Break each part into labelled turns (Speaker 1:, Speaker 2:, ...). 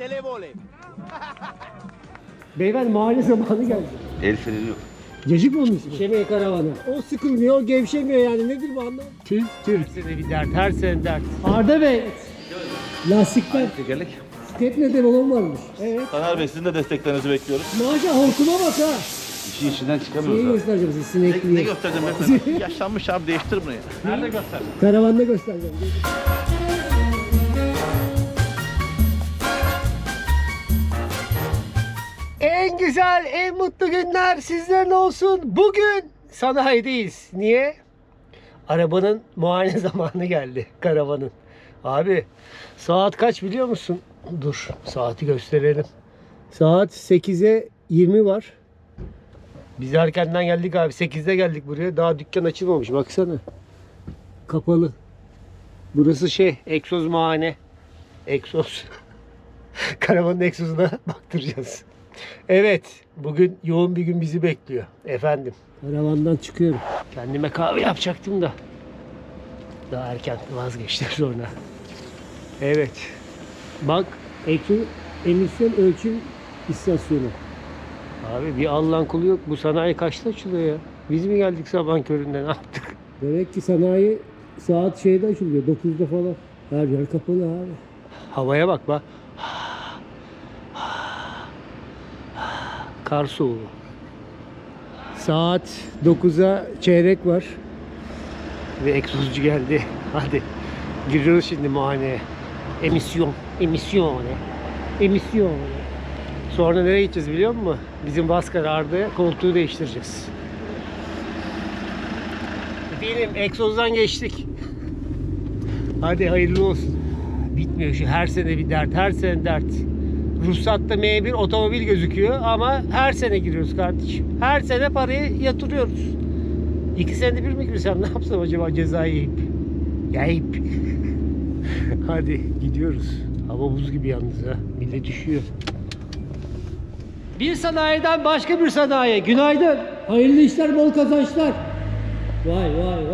Speaker 1: Televole.
Speaker 2: Beyefendi mahalle zamanı geldi.
Speaker 3: El freni yok.
Speaker 2: Cacık mı onun ismi? Şemeye karavanı. O sıkılmıyor, o gevşemiyor yani. Nedir bu anlam? Tüh. Her sene bir dert, her sene dert. Arda Bey. Lastikler.
Speaker 3: Tekerlek.
Speaker 2: Step neden olan varmış. Evet.
Speaker 4: Taner Bey sizin de desteklerinizi bekliyoruz.
Speaker 2: Maşallah hortuma bak ha.
Speaker 3: İşin içinden çıkamıyoruz
Speaker 2: Neyi
Speaker 3: abi.
Speaker 2: göstereceğim size
Speaker 4: Ne
Speaker 2: sinekliği.
Speaker 4: göstereceğim efendim? Yaşlanmış abi değiştir bunu ya. Nerede göster?
Speaker 2: Karavanda göstereceğim. En güzel, en mutlu günler sizlerin olsun. Bugün sanayideyiz. Niye? Arabanın muayene zamanı geldi. Karavanın. Abi saat kaç biliyor musun? Dur saati gösterelim. Saat 8'e 20 var. Biz erkenden geldik abi. 8'de geldik buraya. Daha dükkan açılmamış. Baksana. Kapalı. Burası egzoz muayene. Egzoz. Karavanın egzozuna baktıracağız. Evet. Bugün yoğun bir gün bizi bekliyor. Efendim. Karavandan çıkıyorum. Kendime kahve yapacaktım da. Daha erken vazgeçtim sonra. Evet. Bak. Egzoz emisyon ölçüm istasyonu. Abi bir Allah'ın kulu yok. Bu sanayi kaçta açılıyor ya? Biz mi geldik sabahın köründe ne yaptık? Demek ki sanayi saat açılıyor. 9'da falan. Her yer kapalı abi. Havaya bak bak. Kar soğuğu. Saat 9'a çeyrek var. Ve egzozcu geldi. Hadi. Giriyoruz şimdi muayeneye. Emisyon. Sonra nereye gideceğiz biliyor musun? Bizim bas karardı. Koltuğu değiştireceğiz. Benim egzozdan geçtik. Hadi hayırlı olsun. Bitmiyor şu her sene bir dert, her sene dert. Ruhsatta M1 otomobil gözüküyor ama her sene giriyoruz kardeşim. Her sene parayı yatırıyoruz. 2 senede bir mi girsem ne yapsam acaba cezayı yiyip. Hadi gidiyoruz. Hava buz gibi yalnız ha. Millet düşüyor. Bir sanayiden başka bir sanayiye. Günaydın. Hayırlı işler, bol kazançlar. Vay.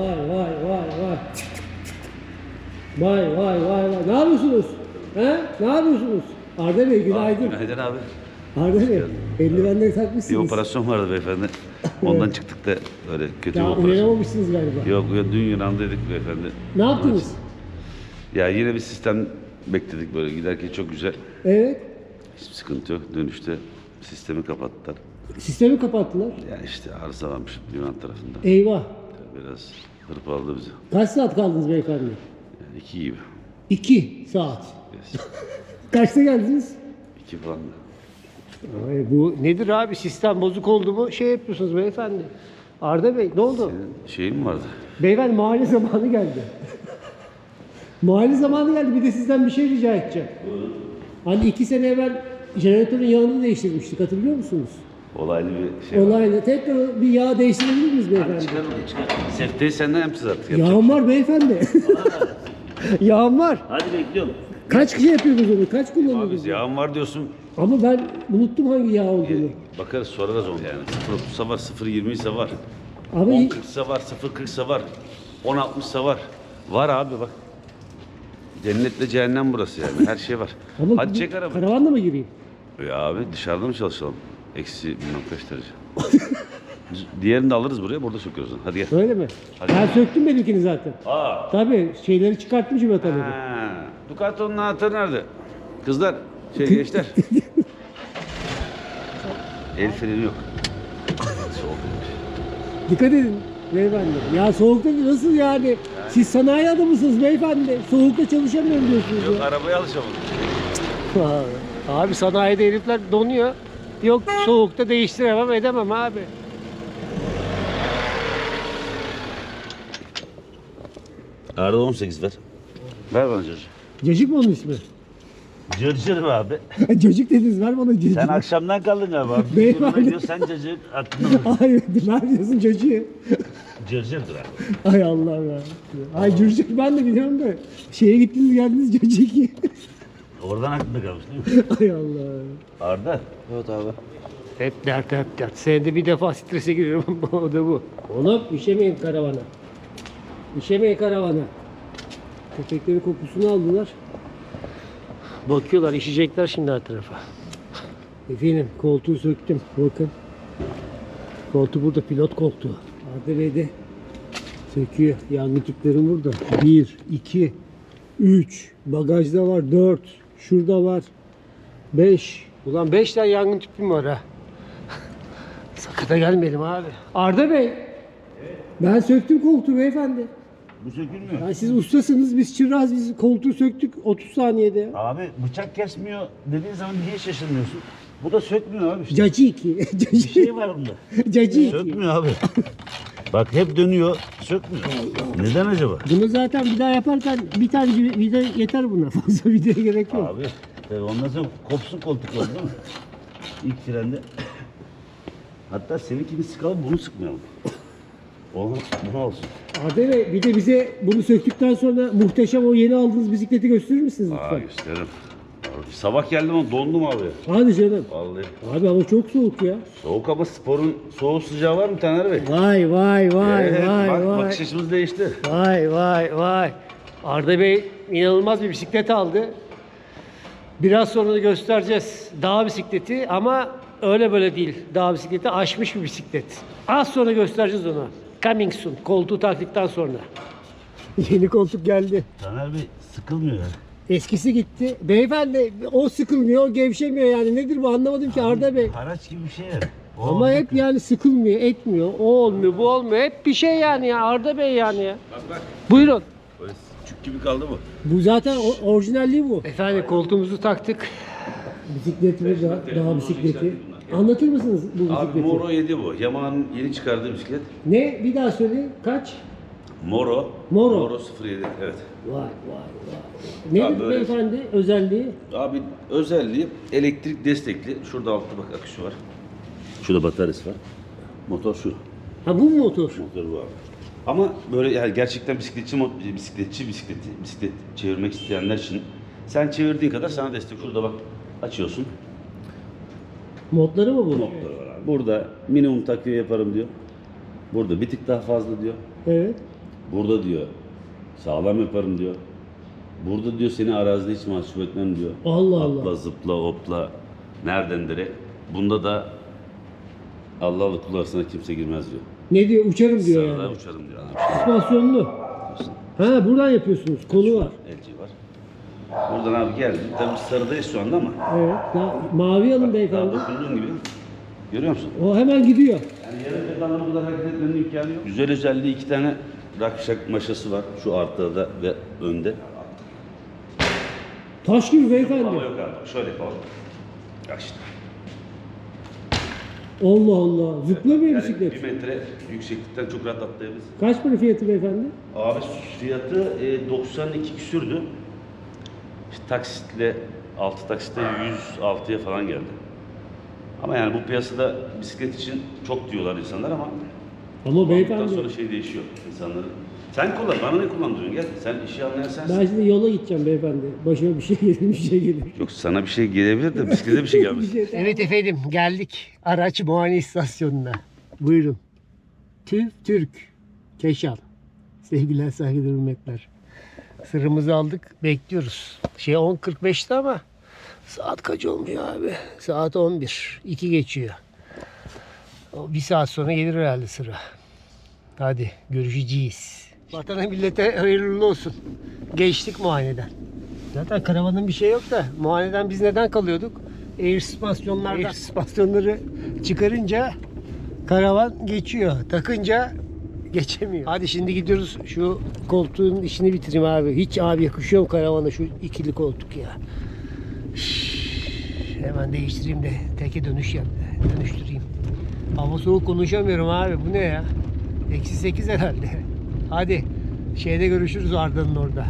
Speaker 2: Vay. Ne yapıyorsunuz? He? Ne yapıyorsunuz? Arda Bey günaydın.
Speaker 3: Günaydın abi.
Speaker 2: Arda Bey eldivenleri takmışsınız.
Speaker 3: Bir operasyon vardı beyefendi. Ondan çıktık da öyle kötü bir
Speaker 2: Daha
Speaker 3: operasyon.
Speaker 2: uyanamamışsınız galiba.
Speaker 3: Yok dün Yunan'daydık beyefendi.
Speaker 2: Ne yaptınız?
Speaker 3: Ya yine bir sistem bekledik böyle giderken çok güzel.
Speaker 2: Evet.
Speaker 3: Hiçbir sıkıntı yok. Dönüşte sistemi kapattılar.
Speaker 2: Sistemi kapattılar.
Speaker 3: Ya işte arıza varmış Yunan tarafında.
Speaker 2: Eyvah.
Speaker 3: Biraz hırpaladı bizi.
Speaker 2: Kaç saat kaldınız beyefendi?
Speaker 3: Yani 2 gibi.
Speaker 2: 2 saat. Kaçta geldiniz?
Speaker 3: 2 falan da.
Speaker 2: Ay, bu nedir abi? Sistem bozuk oldu mu? Yapıyorsunuz beyefendi. Arda Bey ne oldu?
Speaker 3: Şeyin mi vardı?
Speaker 2: Beyefendi mahalle zamanı geldi. Mahalle zamanı geldi. Bir de sizden bir şey rica edeceğim. Hani 2 sene evvel jeneratörün yağını değiştirmiştik. Hatırlıyor musunuz?
Speaker 3: Olaylı bir şey var.
Speaker 2: Olayla. Tekrar bir yağ değiştirebilir miyiz beyefendi?
Speaker 3: Çıkar. Sefteyi senden yapacağız artık.
Speaker 2: Yağım var beyefendi. Yağım var.
Speaker 4: Hadi bekliyorum.
Speaker 2: Kaç kişi yapıyoruz onu? Kaç
Speaker 3: Abi
Speaker 2: kullanıyoruz?
Speaker 3: yağın var diyorsun.
Speaker 2: Ama ben unuttum hangi yağ olduğunu.
Speaker 3: Bakarız sorarız onu yani. 0.30'sa var, 0.20'sa var.
Speaker 2: Abi
Speaker 3: 10.40'sa var, 0.40'sa var. 10.60'sa var. Var abi bak. Cennetle cehennem burası yani. Her şey var.
Speaker 2: ama
Speaker 3: Hadi çek arabayı.
Speaker 2: karavanla mı gireyim?
Speaker 3: Ya abi dışarıda mı çalışalım? Eksi bilmem kaç derece. Diğerini de alırız buraya, burada söküyoruz. Hadi gel.
Speaker 2: Öyle mi?
Speaker 3: Hadi.
Speaker 2: Ben söktüm benimkini zaten.
Speaker 3: Aa.
Speaker 2: Tabii şeyleri çıkarttım civataları.
Speaker 3: Ha. Ducato'nun anahtarı nerede? Kızlar, gençler. El freni yok. Soğukmuş.
Speaker 2: Dikkat edin beyefendi. Ya soğukta nasıl yani? Siz sanayi adamısınız beyefendi. Soğukta çalışamıyorum diyorsunuz
Speaker 3: Yok
Speaker 2: ya.
Speaker 3: arabaya alışamadım.
Speaker 2: Abi sanayide herifler donuyor. Yok soğukta değiştiremem edemem abi.
Speaker 4: Arada 18 ver.
Speaker 3: Ver bana çocuğu.
Speaker 2: Cacık mı onun ismi?
Speaker 4: Cırcır mı abi?
Speaker 2: Cacık dediniz ver bana cacık.
Speaker 4: Sen akşamdan kaldın galiba.
Speaker 2: Beyefendi.
Speaker 4: Beyefendi. Diyor, sen cacık aklında.
Speaker 2: Hayır ver diyorsun cacığı.
Speaker 4: Cırcırdır abi.
Speaker 2: Ay Allah'ım ya. Ay cırcık ben de biliyorum da. Şeye gittiniz geldiniz cacık.
Speaker 4: Oradan aklında kalmış değil mi?
Speaker 2: Ay Allah'ım.
Speaker 4: Arda.
Speaker 1: Evet abi.
Speaker 2: Hep dert. Senede bir defa strese giriyorum. O da bu. Oğlum işemeyin karavana. İşemeyin karavana. Köpeklerin kokusunu aldılar. Bakıyorlar, işecekler şimdi her tarafa. Efendim koltuğu söktüm. Bakın. Koltuğu burada, pilot koltuğu. Arda Bey de söküyor. Yangın tüplerim burada. 1, 2, 3. Bagajda var 4. Şurada var 5. Ulan 5 tane yangın tüpüm var ha. Sakata gelmeyelim abi. Arda Bey. Ben söktüm koltuğu beyefendi.
Speaker 3: Bu sökülmüyor.
Speaker 2: Yani siz ustasınız, biz çıraz, biz koltuğu söktük 30 saniyede.
Speaker 3: Abi bıçak kesmiyor dediğin zaman niye şaşırmıyorsun? Bu da sökmüyor abi işte.
Speaker 2: Cacı 2.
Speaker 3: Bir şey var bunda.
Speaker 2: Cacı 2.
Speaker 3: Sökmüyor abi. Bak hep dönüyor, sökmüyor. Neden acaba?
Speaker 2: Bunu zaten bir daha yaparken bir tane vida yeter buna. Fazla vidaya gerek yok.
Speaker 3: Abi tabii ondan sonra kopsun koltuklar değil mi? İlk frende. Hatta seninkini sıkalım bunu sıkmayalım. Olmaz, bu olsun.
Speaker 2: Adem Bey, bir de bize bunu söktükten sonra muhteşem o yeni aldığınız bisikleti gösterir misiniz
Speaker 3: Aa
Speaker 2: lütfen?
Speaker 3: gösteririm. Abi, sabah geldim ama dondum abi.
Speaker 2: Hadi canım.
Speaker 3: Vallahi.
Speaker 2: Abi hava çok soğuk ya.
Speaker 3: Soğuk ama sporun soğuk sıcağı var mı Taner Bey?
Speaker 2: Vay vay vay
Speaker 3: Evet,
Speaker 2: vay
Speaker 3: bak,
Speaker 2: vay.
Speaker 3: bakış açımız değişti.
Speaker 2: Vay vay vay. Arda Bey inanılmaz bir bisiklet aldı. Biraz sonra da göstereceğiz dağ bisikleti ama öyle böyle değil. Dağ bisikleti aşmış bir bisiklet. Az sonra göstereceğiz onu. Coming soon. Koltuğu taktıktan sonra. Yeni koltuk geldi.
Speaker 3: Taner Bey sıkılmıyor ya.
Speaker 2: Eskisi gitti. Beyefendi o sıkılmıyor, o gevşemiyor yani. Nedir bu anlamadım ki Arda Bey.
Speaker 3: Haraç gibi bir şey yani.
Speaker 2: Ama hep yani sıkılmıyor, etmiyor. O olmuyor, bu olmuyor. Hep bir şey yani ya Arda Bey yani ya.
Speaker 3: Bak.
Speaker 2: Buyurun.
Speaker 3: Böyle çük gibi kaldı mı?
Speaker 2: Bu zaten orijinalliği bu. Efendim koltuğumuzu taktık. Bisikletimiz de dağ bisikleti. Anlatır mısınız bu
Speaker 3: Abi
Speaker 2: bisikleti?
Speaker 3: Moro 7 bu. Yamaha'nın yeni çıkardığı bisiklet.
Speaker 2: Ne? Bir daha söyle. Kaç?
Speaker 3: Moro.
Speaker 2: Moro.
Speaker 3: Moro 07. Evet.
Speaker 2: Vay vay vay. Nedir
Speaker 3: Abi böyle-
Speaker 2: beyefendi özelliği?
Speaker 3: Abi özelliği elektrik destekli. Şurada altta bak akışı var. Şurada bataryası var. Motor şu.
Speaker 2: Ha bu mu motor?
Speaker 3: Motor bu abi. Ama böyle yani gerçekten bisiklet çevirmek isteyenler için sen çevirdiğin kadar sana destek. Şurada bak açıyorsun.
Speaker 2: Modları mı bu?
Speaker 3: Motor var abi. Burada minimum takviye yaparım diyor. Burada bir tık daha fazla diyor.
Speaker 2: Evet.
Speaker 3: Burada diyor sağlam yaparım diyor. Burada diyor seni arazide hiç mahcup etmem diyor.
Speaker 2: Allah Allah.
Speaker 3: Atla zıpla hopla nereden direkt. Bunda da Allah'la kul arasına kimse girmez diyor.
Speaker 2: Ne diyor? Uçarım diyor
Speaker 3: Sarıda
Speaker 2: yani.
Speaker 3: uçarım diyor.
Speaker 2: Süspansiyonlu. Ha buradan yapıyorsunuz. Kolu var.
Speaker 3: LG var. Buradan abi geldim. Tabii sarıdayız şu anda ama.
Speaker 2: Evet. Daha mavi alın
Speaker 3: Daha
Speaker 2: beyefendi.
Speaker 3: dokunduğun gibi. Görüyor musun?
Speaker 2: O hemen gidiyor.
Speaker 3: Yani yarım pedalla bu kadar hareket etmenin imkanı yok. Güzel özelliği 2 tane rakşak maşası var. Şu arkada ve önde.
Speaker 2: Taş gibi beyefendi.
Speaker 3: Ama yok abi. Şöyle yapalım. Bak işte.
Speaker 2: Allah Allah. Zıplamıyor
Speaker 3: Yani
Speaker 2: bisiklet.
Speaker 3: 1 metre yükseklikten çok rahat atlayabiliriz.
Speaker 2: Kaç para fiyatı beyefendi?
Speaker 3: Abi fiyatı 92 küsürdü. İşte taksitle 6 taksitle 106'ya falan geldi. Ama yani bu piyasada bisiklet için çok diyorlar insanlar ama
Speaker 2: Ama
Speaker 3: bundan
Speaker 2: beyefendi
Speaker 3: sonra şey değişiyor insanların. Sen kullan, bana ne kullandırıyorsun? Gel, sen işi anlayan sensin.
Speaker 2: ben şimdi yola gideceğim beyefendi. Başıma bir şey gelir, bir şey gelir.
Speaker 3: Yok sana bir şey gelebilir de bisiklete bir şey gelmez.
Speaker 2: Evet efendim geldik araç muayene istasyonuna. Buyurun. TÜV Türk. Keşal. Sevgiler saygılar hürmetler. Sırrımızı aldık bekliyoruz. 10.45'te ama saat kaç olmuyor abi? Saat 11. 2 geçiyor. O bir saat sonra gelir herhalde sıra. Hadi görüşeceğiz. Vatana millete hayırlı olsun. Geçtik muayeneden. Zaten karavanın bir şey yok da muayeneden biz neden kalıyorduk? Air süspansiyonları çıkarınca karavan geçiyor. Takınca geçemiyor. Hadi şimdi gidiyoruz şu koltuğun işini bitireyim abi. Hiç abi yakışıyor mu karavana şu ikili koltuk ya. Hemen değiştireyim de teke dönüştüreyim. Hava soğuk konuşamıyorum abi. Bu ne ya? -8 herhalde. Hadi şeyde görüşürüz Arda'nın orada.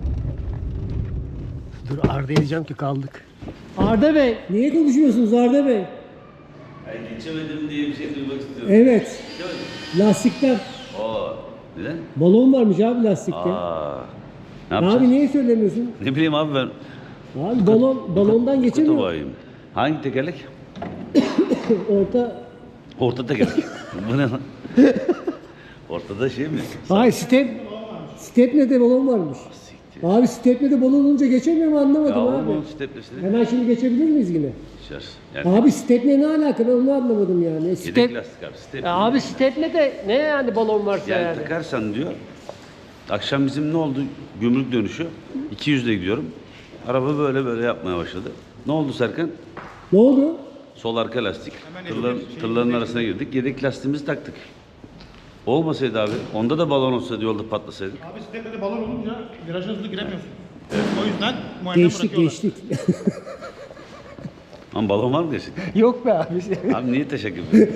Speaker 2: Dur Arda diyeceğim ki kaldık. Arda Bey, niye konuşmuyorsunuz Arda Bey?
Speaker 3: Yani geçemedim diye bir şey duymak istiyorum.
Speaker 2: Evet. Lastikten.
Speaker 3: Oo, neden?
Speaker 2: Balon varmış abi lastikte.
Speaker 3: Ne yapacağız?
Speaker 2: Abi niye söylemiyorsun?
Speaker 3: Ne bileyim abi ben.
Speaker 2: Abi balondan geçemiyor.
Speaker 3: Kutu hangi tekerlek?
Speaker 2: Orta.
Speaker 3: Orta tekerlek. Bu ne lan? Ortada şey mi?
Speaker 2: Hayır step ne de balon varmış.
Speaker 3: Siktir
Speaker 2: Abi stepnede balon olunca geçemiyor mu anlamadım
Speaker 3: Ya
Speaker 2: abi.
Speaker 3: onun stepnesini
Speaker 2: Hemen şimdi geçebilir miyiz yine?
Speaker 3: içer. Yani
Speaker 2: Abi stepne ne alaka ben onu anlamadım yani.
Speaker 3: yedek lastik abi. Stepne.
Speaker 2: Abi stepne de ne yani balon varsa
Speaker 3: Yani
Speaker 2: yani.
Speaker 3: takarsan diyor. Akşam bizim ne oldu? Gümrük dönüşü. 200'de gidiyorum. Araba böyle yapmaya başladı. Ne oldu Serkan?
Speaker 2: Ne oldu?
Speaker 3: Sol arka lastik. Tırların arasına girdik. Yedek lastiğimizi taktık. Olmasaydı abi, onda da balon olsaydı yolda patlasaydık.
Speaker 1: Abi stepede balon olunca viraja hızlı giremiyorsun. O yüzden muayene
Speaker 2: Geçtik
Speaker 1: bırakıyorlar.
Speaker 2: geçtik.
Speaker 3: Ama balon var mı gerçekten?
Speaker 2: Yok be abi.
Speaker 3: Abi niye teşekkür ederim?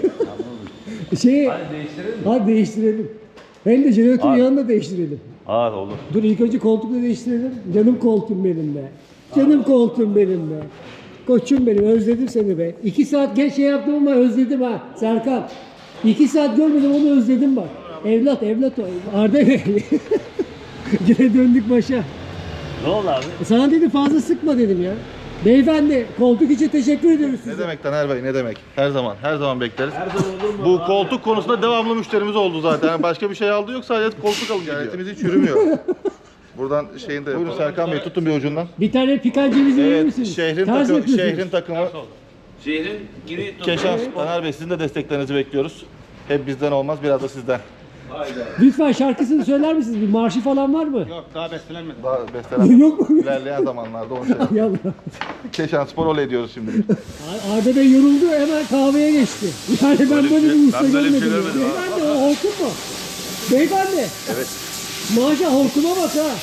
Speaker 2: Hadi değiştirelim. Hem de jeneratörü
Speaker 3: Abi.
Speaker 2: yanında değiştirelim.
Speaker 3: Aa olur.
Speaker 2: Dur ilk önce koltukla değiştirelim. Canım koltuğum benim be. Canım koltuğum benim be. Koçum benim özledim seni be. 2 saat geç şey yaptım ama özledim ha Serkan. 2 saat görmedim onu özledim bak. Evlat o. Arda Bey. Yine döndük başa.
Speaker 3: Ne oldu abi?
Speaker 2: Sana dedim fazla sıkma dedim ya. Beyefendi koltuk için teşekkür ediyoruz
Speaker 5: Ne
Speaker 2: size.
Speaker 5: demek Taner Bey, ne demek? Her zaman bekleriz. Bu koltuk konusunda devamlı müşterimiz oldu zaten. Yani başka bir şey aldı yok, sadece koltuk alın gidiyor. Ticaretimiz hiç yürümüyor. Buradan şeyin de... Buyurun Serkan Bey, tutun bir ucundan.
Speaker 2: Bir tane pikan cevizi verir
Speaker 5: Evet,
Speaker 2: misiniz?
Speaker 5: şehrin,
Speaker 2: Ters yapıyorsunuz.
Speaker 5: şehrin takımı
Speaker 3: Şehrin giri
Speaker 5: Keşan. Taner Bey, sizin de desteklerinizi bekliyoruz. Hep bizden olmaz, biraz da sizden.
Speaker 2: Lütfen şarkısını söyler misiniz? Bir marşı falan var mı?
Speaker 1: Yok daha bestelenmedi.
Speaker 5: Daha besteler
Speaker 2: Yok mu?
Speaker 5: ilerleyen zamanlarda onu şey.
Speaker 2: Yallah.
Speaker 5: Keşan Spor olay ediyoruz şimdi.
Speaker 2: Arda Bey yoruldu hemen kahveye geçti. Yani ben böyle bir usta
Speaker 3: ben böyle bir
Speaker 2: görmedim.
Speaker 3: şey
Speaker 2: ya.
Speaker 3: görmedim abi.
Speaker 2: Beyefendi o hortum mu? Beyefendi.
Speaker 3: Evet.
Speaker 2: Maşallah hortuma bak ha.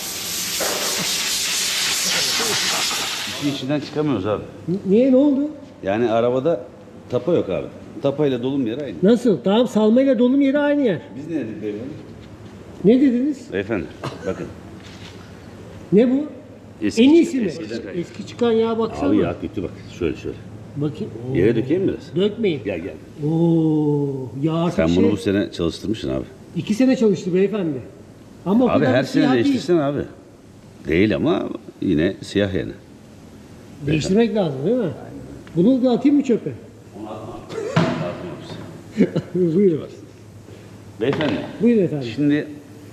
Speaker 3: İşin içinden çıkamıyoruz abi.
Speaker 2: Niye ne oldu?
Speaker 3: Yani arabada tapa yok abi. Tapayla dolum yeri aynı.
Speaker 2: Nasıl? Tamam salmayla dolum yeri aynı yer.
Speaker 3: Biz ne dedik beyefendi?
Speaker 2: Ne dediniz?
Speaker 3: Beyefendi bakın.
Speaker 2: Ne bu?
Speaker 3: Eski
Speaker 2: En iyisi mi?
Speaker 3: eskiden kayıp.
Speaker 2: Eski çıkan yağa baksana.
Speaker 3: Abi ya kötü bak. Şöyle.
Speaker 2: Bakayım. Oo.
Speaker 3: Yere dökeyim mi biraz?
Speaker 2: Dökmeyin.
Speaker 3: Gel.
Speaker 2: Oo, yağ artık
Speaker 3: Sen
Speaker 2: şey,
Speaker 3: bunu bu sene çalıştırmışsın abi.
Speaker 2: 2 sene çalıştı beyefendi. Ama o
Speaker 3: Abi
Speaker 2: kadar
Speaker 3: her
Speaker 2: siyah
Speaker 3: sene
Speaker 2: değil.
Speaker 3: değiştirsen abi. Değil ama yine siyah yani.
Speaker 2: Değiştirmek lazım değil mi? Bunu da atayım mı çöpe? Buyurun.
Speaker 3: Beyefendi.
Speaker 2: Buyurun efendim.
Speaker 3: Şimdi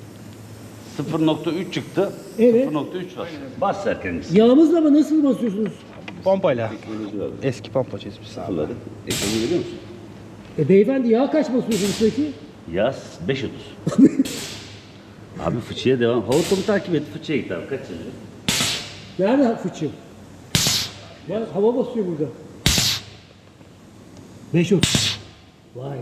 Speaker 3: 0.3 çıktı.
Speaker 2: Evet.
Speaker 3: 0.3 var. Bas Serkan'ımız.
Speaker 2: Yağımızla mı nasıl basıyorsunuz?
Speaker 1: Pompayla. Eski pompa çizmiş.
Speaker 3: Sıfırladık. Ekranı görüyor musun?
Speaker 2: Beyefendi yağ kaç basıyorsunuz peki?
Speaker 3: Yaz 5.30. Abi fıçıya devam. Hortumu takip et. Fıçıya git abi. Kaç yazıyor?
Speaker 2: Nerede fıçı? Var, hava basıyor burada. 5.30. Vay.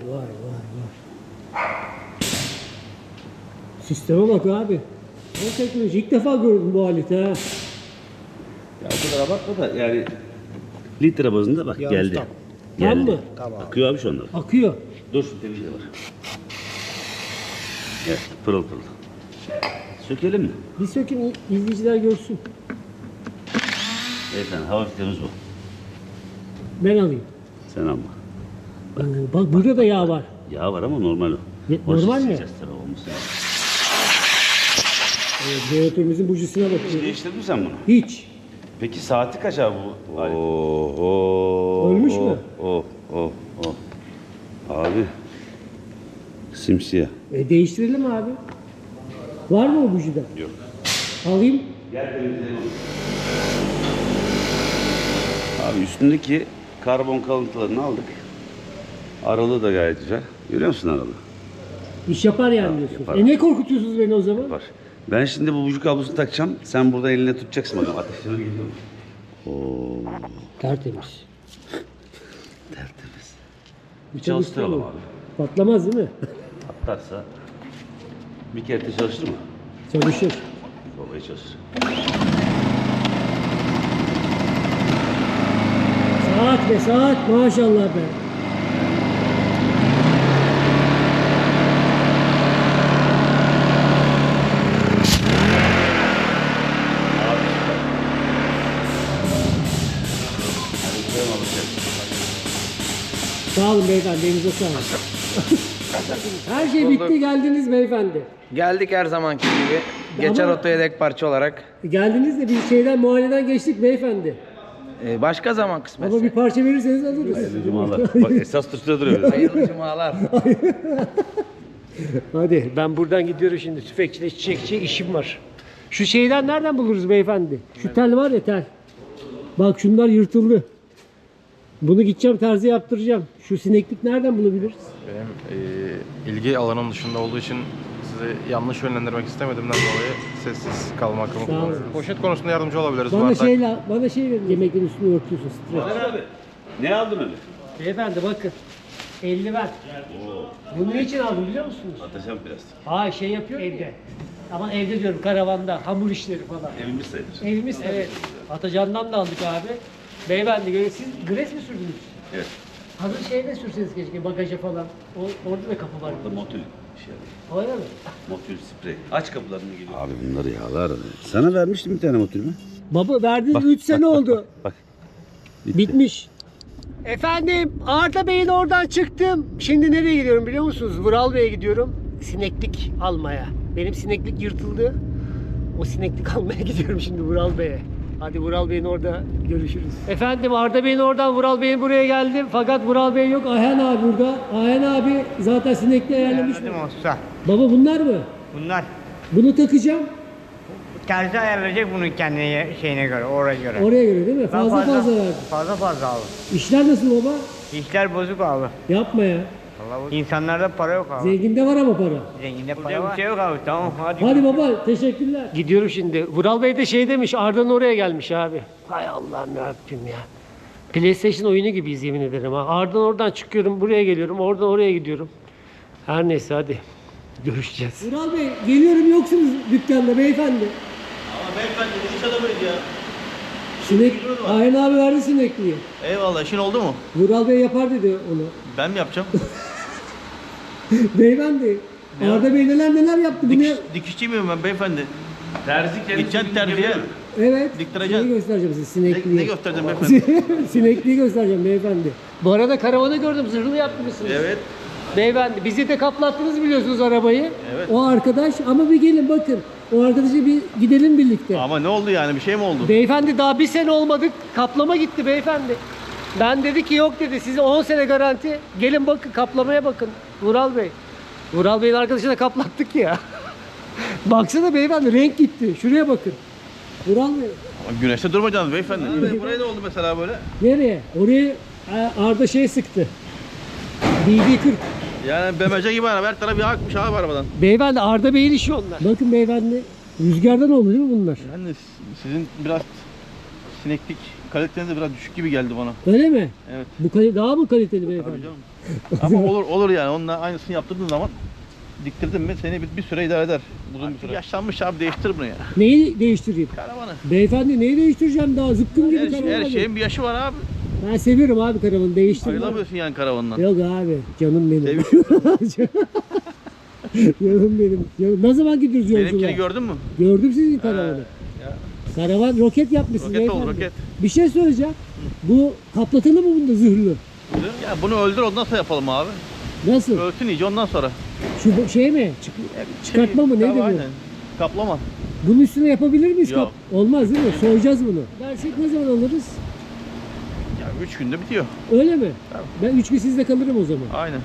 Speaker 2: Sisteme bak abi. O teknoloji ilk defa gördüm bu aleti ha.
Speaker 3: Ya o kadar abartma da yani litre bazında bak geldi.
Speaker 1: ustam.
Speaker 3: Geldi.
Speaker 2: Tam mı?
Speaker 3: Akıyor abi şu anda.
Speaker 2: Akıyor.
Speaker 3: Dur şu temizle var. Evet pırıl pırıl. Sökelim mi?
Speaker 2: Bir sökün izleyiciler görsün.
Speaker 3: Beyefendi hava filtremiz bu.
Speaker 2: Ben alayım.
Speaker 3: Sen alma.
Speaker 2: Oo, bak burada da yağ var.
Speaker 3: Yağ var ama normal o.
Speaker 2: Normal mi?
Speaker 3: Sileceğiz tabii, olması lazım.
Speaker 2: Evet, jeneratörümüzün bujisine bakıyorum.
Speaker 3: Değiştirdin mi sen bunu?
Speaker 2: Hiç.
Speaker 3: Peki saati kaç abi bu? Oo,
Speaker 2: Ölmüş mü?
Speaker 3: Abi. Simsiyah.
Speaker 2: Değiştirelim abi. Var mı o bujide?
Speaker 3: Yok.
Speaker 2: Alayım.
Speaker 3: Gel temizleyelim onu. Abi üstündeki karbon kalıntılarını aldık. Aralığı da gayet güzel. Görüyor musun aralığı?
Speaker 2: İş yapar yani diyorsunuz.
Speaker 3: yapar.
Speaker 2: Ne korkutuyorsunuz beni o zaman?
Speaker 3: Var. Ben şimdi bu buji kablosunu takacağım. Sen burada eline tutacaksın bakalım. Ateşine geliyor mu? Oo,
Speaker 2: Tertemiz.
Speaker 3: tertemiz. Bir
Speaker 2: Çalıştırma.
Speaker 3: çalıştıralım abi.
Speaker 2: Patlamaz değil mi?
Speaker 3: Patlarsa bir kere de çalıştır mı?
Speaker 2: Çalışır.
Speaker 3: Babayı çalıştır.
Speaker 2: Saat be saat maşallah be. Sağ olun beyefendi, elinize sağlık. Her şey bitti, geldiniz beyefendi.
Speaker 6: Geldik her zamanki gibi. Geçer
Speaker 2: Ama-
Speaker 6: oto yedek parça olarak.
Speaker 2: Geldiniz de bir şeyden muayeneden geçtik beyefendi.
Speaker 6: Başka zaman kısmet.
Speaker 2: Ama bir parça verirseniz alırız.
Speaker 3: Hayırlı cumalar. Bak esas tuşta duruyor.
Speaker 6: Hayırlı cumalar.
Speaker 2: Hadi ben buradan gidiyorum şimdi. Tüfekçide çiçekçi işim var. Şu şeyden nereden buluruz beyefendi? Şu tel var ya tel. Bak şunlar yırtıldı. Bunu gideceğim terzi yaptıracağım. Şu sineklik nereden bulabiliriz?
Speaker 7: Benim ilgi alanım dışında olduğu için sizi yanlış yönlendirmek istemediğimden dolayı sessiz kalmakımı kullanıyorum. Poşet konusunda yardımcı olabiliriz.
Speaker 2: Bana şey verin. Yemeklerin üstünü örtüyorsun. Streç.
Speaker 3: Abi ne aldın öyle?
Speaker 2: Beyefendi bakın. Eldiven. Bunu ne için aldım biliyor musunuz?
Speaker 3: Atacağım plastik.
Speaker 2: Aa şey yapıyor evde. Ama evde diyorum karavanda. Hamur işleri falan.
Speaker 3: Evimiz sayılır.
Speaker 2: Evimiz evet. Atacan'dan da aldık abi. Beyefendi siz gres mi sürdünüz?
Speaker 3: Evet.
Speaker 2: Hazır şeyde sürseniz keşke bagaja falan. Orada da kapı var.
Speaker 3: Burada motul şey yapıyor.
Speaker 2: Öyle mi?
Speaker 3: Motul sprey. Aç kapılarını geliyor. Abi bunları yağlar. Sana vermiştim bir tane motul mü?
Speaker 2: Baba verdiniz 3 sene oldu.
Speaker 3: Bak. Bitti.
Speaker 2: Bitmiş. Efendim Arda Bey'in oradan çıktım. Şimdi nereye gidiyorum biliyor musunuz? Vural Bey'e gidiyorum. Sineklik almaya. Benim sineklik yırtıldı. O sineklik almaya gidiyorum şimdi Vural Bey'e. Hadi Vural Bey'in orada görüşürüz. Efendim Arda Bey'in oradan Vural Bey'in buraya geldim. Fakat Vural Bey yok. Ayhan abi burada. Ayhan abi zaten sinekliği ayarlamış mı?
Speaker 8: Usta.
Speaker 2: Baba bunlar mı?
Speaker 8: Bunlar
Speaker 2: Bunu takacağım.
Speaker 8: terzi ayarlayacak bunun kendine şeyine göre, oraya göre.
Speaker 2: Oraya göre değil mi? Fazla verdim.
Speaker 8: Fazla abi.
Speaker 2: İşler nasıl baba?
Speaker 8: İşler bozuk abi.
Speaker 2: Yapma ya.
Speaker 8: Vallahi İnsanlarda para yok abi.
Speaker 2: Zenginde var ama para.
Speaker 8: Zenginde para var. Bir şey yok abi. Tamam hadi.
Speaker 2: Hadi baba teşekkürler. Gidiyorum şimdi. Vural Bey de şey demiş Arda'nın oraya gelmiş abi. Hay Allah'ım yarabbim ya. PlayStation oyunu gibiyiz yemin ederim ha. Arda'dan oradan çıkıyorum buraya geliyorum. Oradan oraya gidiyorum. Her neyse hadi. Görüşeceğiz. Vural Bey geliyorum yoksunuz dükkanda beyefendi.
Speaker 4: Ama beyefendi bu iş adamıydı ya.
Speaker 2: Sinek, Ayhan abi verdi sinekliği.
Speaker 4: Eyvallah, işin oldu mu?
Speaker 2: Vural Bey yapar dedi onu.
Speaker 4: Ben mi yapacağım?
Speaker 2: Beyefendi. Arda Bey neler yaptı bunu.
Speaker 4: Dikişçi miyim ben beyefendi?
Speaker 3: Terzi kendisi.
Speaker 4: Gideceksin terziye.
Speaker 2: Evet.
Speaker 4: Diktireceksin.
Speaker 2: Şeyi göstereceğim size sinekliği.
Speaker 4: Ne göstereceğim beyefendi?
Speaker 2: Sinekliği göstereceğim beyefendi. Bu arada karavanı gördüm zırhlı yapmışsınız.
Speaker 4: Evet.
Speaker 2: Beyefendi bizi de kaplattınız biliyorsunuz arabayı.
Speaker 4: Evet.
Speaker 2: O arkadaş ama bir gelin bakın. O arkadaşı bir gidelim birlikte.
Speaker 4: Ama ne oldu yani? Bir şey mi oldu?
Speaker 2: Beyefendi daha bir sene olmadık. Kaplama gitti beyefendi. Ben dedi ki yok dedi size 10 sene garanti. Gelin bakın kaplamaya bakın. Vural Bey. Vural Bey'in arkadaşına kaplattık ya. Baksana beyefendi renk gitti. Şuraya bakın. Vural Bey.
Speaker 4: Ama güneşte durmayacaksınız beyefendi. Buraya ne oldu mesela böyle?
Speaker 2: Nereye? Oraya Arda şey sıktı. BB40.
Speaker 4: Yani BMC gibi araba. Her taraf yakmış abi arabadan.
Speaker 2: Beyefendi Arda Bey'in işi onlar. Bakın beyefendi rüzgardan oldu değil mi bunlar?
Speaker 4: Yani sizin biraz sineklik kaliteniz de biraz düşük gibi geldi bana.
Speaker 2: Öyle mi?
Speaker 4: Evet.
Speaker 2: Bu daha mı kaliteli
Speaker 4: Tabii
Speaker 2: beyefendi?
Speaker 4: canım. Ama olur yani. Onunla aynısını yaptırdığın zaman diktirdin mi seni bir süre idare eder. Uzun bir süre. Yaşlanmış abi, değiştir bunu ya.
Speaker 2: Neyi değiştireyim?
Speaker 4: Karavanı.
Speaker 2: Beyefendi neyi değiştireceğim daha zıpkın gibi karavan.
Speaker 4: Her
Speaker 2: abi.
Speaker 4: şeyin bir yaşı var abi.
Speaker 2: Ben seviyorum abi karavanı değiştirme.
Speaker 4: Ayrılamıyorsun yani karavandan.
Speaker 2: Yok abi canım benim.
Speaker 4: Seviyorum.
Speaker 2: Canım benim. Ne zaman gidiyoruz yolculuğa?
Speaker 4: Benimkini gördün mü?
Speaker 2: Gördüm sizin karavanı. Karavan roket yapmışsınız
Speaker 4: Roket oldu,
Speaker 2: beyefendi.
Speaker 4: roket.
Speaker 2: Bir şey söyleyeceğim. Bu kaplatalı mı bunda zırhlı?
Speaker 4: Ya bunu öldür, ondan sonra yapalım abi.
Speaker 2: Nasıl?
Speaker 4: Ölsün iyice ondan sonra.
Speaker 2: Şu şey mi? Çıkartma mı? Nedir bu?
Speaker 4: Aynen. Kaplama.
Speaker 2: Bunun üstüne yapabilir miyiz?
Speaker 4: Yok.
Speaker 2: Olmaz değil mi? Soyacağız bunu. Dersek ne zaman alırız?
Speaker 4: Ya 3 günde bitiyor.
Speaker 2: Öyle mi? Ben 3 gün sizde kalırım o zaman.
Speaker 4: Aynen.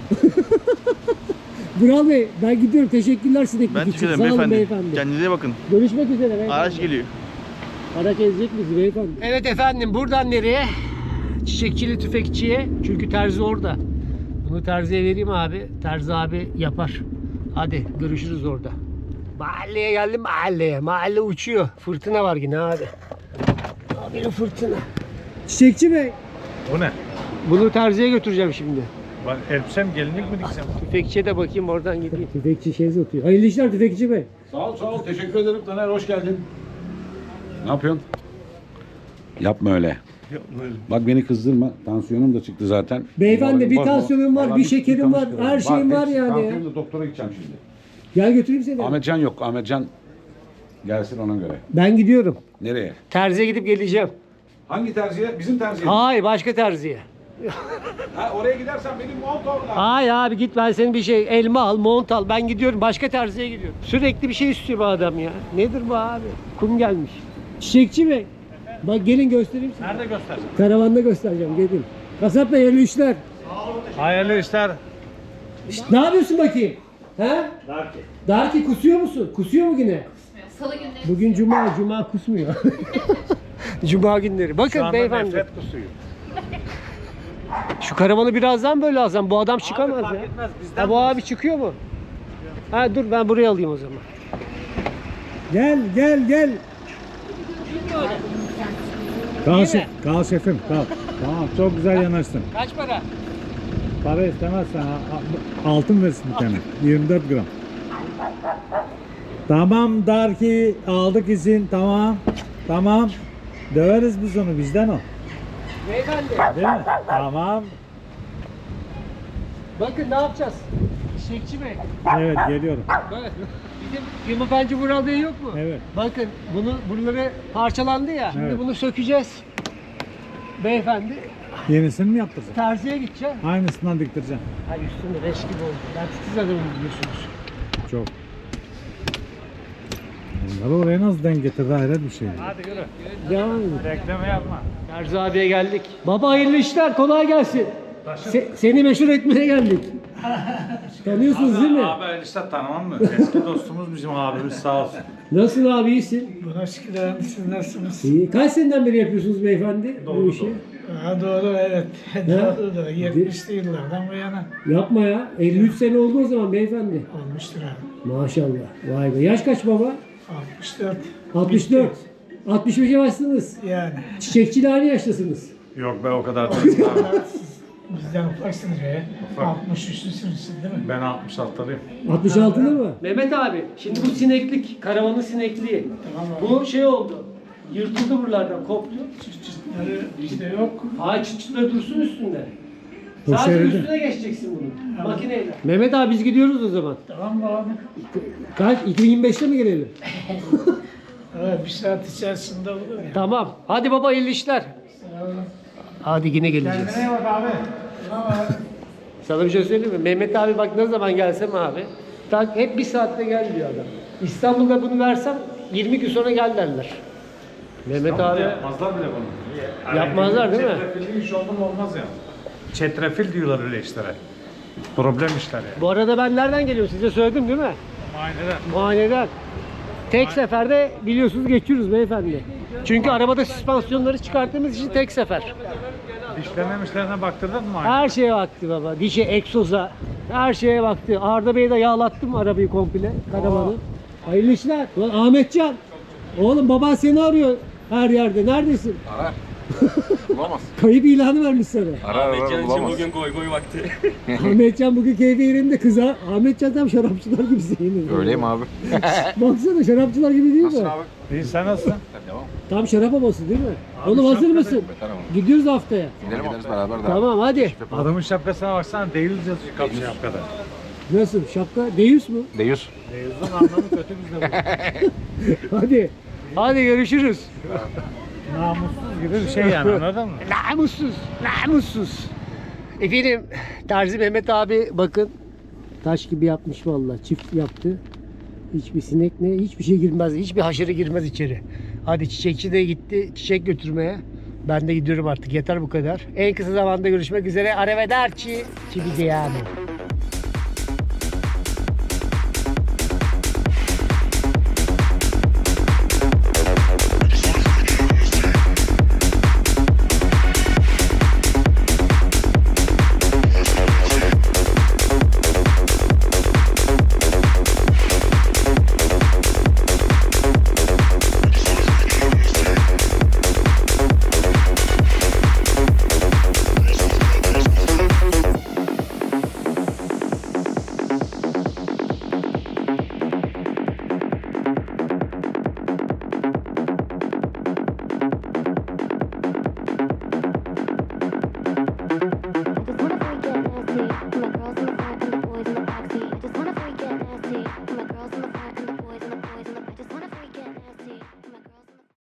Speaker 2: Vural Bey ben gidiyorum. Teşekkürler sineklik
Speaker 4: Ben
Speaker 2: için.
Speaker 4: teşekkür
Speaker 2: Sağ
Speaker 4: ederim
Speaker 2: olun
Speaker 4: beyefendi.
Speaker 2: beyefendi.
Speaker 4: Kendinize iyi bakın.
Speaker 2: Görüşmek üzere beyefendi.
Speaker 4: Araç geliyor.
Speaker 2: Araç ezecek bizi beyefendi. Evet efendim buradan nereye? Çiçekçili tüfekçiye. Çünkü terzi orada. Bunu terziye vereyim abi. Terzi abi yapar. Hadi görüşürüz orada. Mahalleye geldim mahalleye. Mahalle uçuyor. Fırtına var yine abi. Abi fırtına. Çiçekçi Bey.
Speaker 9: O ne?
Speaker 2: Bunu terziye götüreceğim şimdi.
Speaker 9: Ben elbisem gelinlik mi diksem?
Speaker 2: Tüfekçiye de bakayım oradan gideyim. Tüfekçi şey satıyor. Hayırlı işler tüfekçi Bey.
Speaker 9: Sağ ol teşekkür ederim Taner, hoş geldin.
Speaker 10: Ne yapıyorsun? Yapma öyle. Bak beni kızdırma. Tansiyonum da çıktı zaten.
Speaker 2: Beyefendi bir
Speaker 10: Bak,
Speaker 2: tansiyonum var,
Speaker 10: vallahi
Speaker 2: bir şekerim var,
Speaker 10: tanıştıralım.
Speaker 2: her şeyim var
Speaker 10: hepsi.
Speaker 2: yani.
Speaker 10: Tansiyonum da doktora gideceğim şimdi.
Speaker 2: Gel götüreyim seni.
Speaker 10: Ahmetcan yok. Ahmetcan gelsin ona göre.
Speaker 2: Ben gidiyorum.
Speaker 10: Nereye?
Speaker 2: Terziye gidip geleceğim.
Speaker 10: Hangi terziye? Bizim terziye. mi?
Speaker 2: Hayır başka terziye.
Speaker 10: Ha, oraya gidersen benim mont orada.
Speaker 2: Hayır abi git ben senin bir şey elma al, mont al. Ben gidiyorum başka terziye gidiyorum. Sürekli bir şey istiyor bu adam ya. Nedir bu abi? Kum gelmiş. Çiçekçi Bey. Bak gelin göstereyim size.
Speaker 9: Nerede göstersin?
Speaker 2: Karavanda göstereceğim gelin. Kasap Bey hayırlı işler.
Speaker 9: Hayırlı işler.
Speaker 2: Ne yapıyorsun bakayım? He? Darki kusuyor musun? Kusuyor mu yine?
Speaker 11: Salı günleri.
Speaker 2: Bugün cuma kusmuyor. Cuma günleri. Bakın beyefendi.
Speaker 9: nefret kusuyor.
Speaker 2: Şu karavanı birazdan böyle alsam bu adam çıkamaz
Speaker 9: fark
Speaker 2: ya.
Speaker 9: etmez, bizden
Speaker 2: Ha, bu abi çıkıyor mu? Ha dur ben buraya alayım o zaman.
Speaker 9: Gel. Kal şefim kal. Tamam çok güzel yanaştın.
Speaker 2: Kaç para?
Speaker 9: Para istemezsen altın versin bir tane. 24 gram. Tamam Darki aldık izin tamam. Döveriz biz onu bizden o.
Speaker 2: Beyefendi.
Speaker 9: Değil mi? Tamam.
Speaker 2: Bakın ne yapacağız? Çiçekçi Bey.
Speaker 9: Evet geliyorum.
Speaker 2: Böyle. Bizim pimapenci Vural Bey yok mu?
Speaker 9: Evet.
Speaker 2: Bakın buraları parçalandı ya. Şimdi
Speaker 9: Evet.
Speaker 2: bunu sökeceğiz. Beyefendi
Speaker 9: Yenisini mi yaptıracaksın?
Speaker 2: terziye gideceğim.
Speaker 9: Aynısından diktireceğim.
Speaker 2: Ha üstünde leş gibi oldu. Ben titiz adamım biliyorsunuz.
Speaker 9: Çok. Bunları oraya nasıl denk getirdi hayret bir şey.
Speaker 2: Hadi yürü. Devam edin.
Speaker 9: Bekleme yapma.
Speaker 2: Terzi abiye geldik. Baba hayırlı işler, kolay gelsin. Seni meşhur etmeye geldik. Tanıyorsunuz değil mi?
Speaker 9: Abi işte tanımam mı? Eski dostumuz bizim abimiz sağ olsun.
Speaker 2: Nasılsın abi, iyisin?
Speaker 12: Buna şükür siz nasılsınız?
Speaker 2: İyi. Kaç seneden beri yapıyorsunuz beyefendi bu işi?
Speaker 12: Ha, doğru evet. Doğru. 70'li yıllardan bu yana
Speaker 2: Yapma ya. 53 sene oldu o zaman beyefendi.
Speaker 12: olmuştur abi.
Speaker 2: Maşallah. Vay be. Yaş kaç baba?
Speaker 12: 64.
Speaker 2: 64. 65'e başladınız.
Speaker 12: Yani.
Speaker 2: Çiçekçiyle aynı yaştasınız.
Speaker 9: Yok be o kadar değil abi.
Speaker 12: Siz bizden ufaksınız ya. 63'lüsünüz değil mi?
Speaker 9: Ben 66'lıyım.
Speaker 2: 66'lı mı? Mehmet abi, şimdi bu sineklik, karavanın sinekliği. Bu şey oldu. Yırtıldı buralardan, koptu.
Speaker 12: Çıtları işte yok.
Speaker 2: Ay çıtçıları dursun üstünde.
Speaker 9: Bu
Speaker 2: Sadece
Speaker 9: şeridi.
Speaker 2: üstüne geçeceksin bunu. Makineyle. Mehmet abi biz gidiyoruz o zaman.
Speaker 12: Tamam mı abi?
Speaker 2: Kaç? 2025'te mi gelelim?
Speaker 12: Evet, bir saat içerisinde olur ya.
Speaker 2: Tamam. Hadi baba, hayırlı işler. Hadi yine geleceğiz.
Speaker 12: Kendine iyi bak abi. Tamam abi.
Speaker 2: Sana bir şey söyleyeyim mi? Mehmet abi bak ne zaman gelsem abi. Hep bir saatte gel diyor adam. İstanbul'da bunu versem 20 gün sonra gel derler. Mehmet abi
Speaker 9: Yapmazlar bile bunu.
Speaker 2: yapmazlar değil mi?
Speaker 9: Çetrefilli iş oldu mu olmaz ya. Çetrefil diyorlar öyle işlere. Problem işler ya.
Speaker 2: Bu arada ben nereden geliyorum size söyledim değil mi?
Speaker 9: Muayeneden.
Speaker 2: Muayeneden. Tek seferde biliyorsunuz geçiyoruz beyefendi. Çünkü arabada süspansiyonları çıkarttığımız için tek sefer.
Speaker 9: Dişlerine baktırdın mı?
Speaker 2: Her şeye baktı baba. Dişe, egzoza. Her şeye baktı. Arda Bey'e de yağlattım arabayı komple. Karavanı. Hayırlı işler. Ulan Ahmetcan. Oğlum baban seni arıyor her yerde. Neredesin?
Speaker 7: Arar. Bulamaz.
Speaker 2: Kayıp ilanı vermiş sana.
Speaker 7: Arar bulamaz.
Speaker 6: Bugün goy goy vakti.
Speaker 2: Ahmetcan bugün keyfi yerinde kıza. Ahmetcan tam şarapçılar gibisin. yemin
Speaker 7: Öyleyim abi.
Speaker 2: Baksana şarapçılar gibi değil mi?
Speaker 7: Nasılsın abi?
Speaker 9: İyi sen nasılsın?
Speaker 7: Devam.
Speaker 2: Tam şarap havası değil mi? Oğlum hazır mısın? Gidiyoruz haftaya.
Speaker 7: Gidelim gideriz beraber de.
Speaker 2: Tamam hadi.
Speaker 9: Adamın şapkasına baksana değil yazıyor kapı şapkada.
Speaker 2: Nasıl? Şapka Deus mu?
Speaker 7: Deyus.
Speaker 9: Deyuz'un anlamı kötü bizde bu.
Speaker 2: Hadi. Hadi görüşürüz.
Speaker 9: Namussuz gibi bir şey yani anladın mı?
Speaker 2: Namussuz. Namussuz. Efendim Terzi Mehmet abi bakın. Taş gibi yapmış vallahi. Çift yaptı. Hiçbir sinek ne, hiçbir şey girmez. Hiçbir haşere girmez içeri. Hadi çiçekçi de gitti çiçek götürmeye. Ben de gidiyorum artık. Yeter bu kadar. En kısa zamanda görüşmek üzere. Arrivederci. Ci vediamo.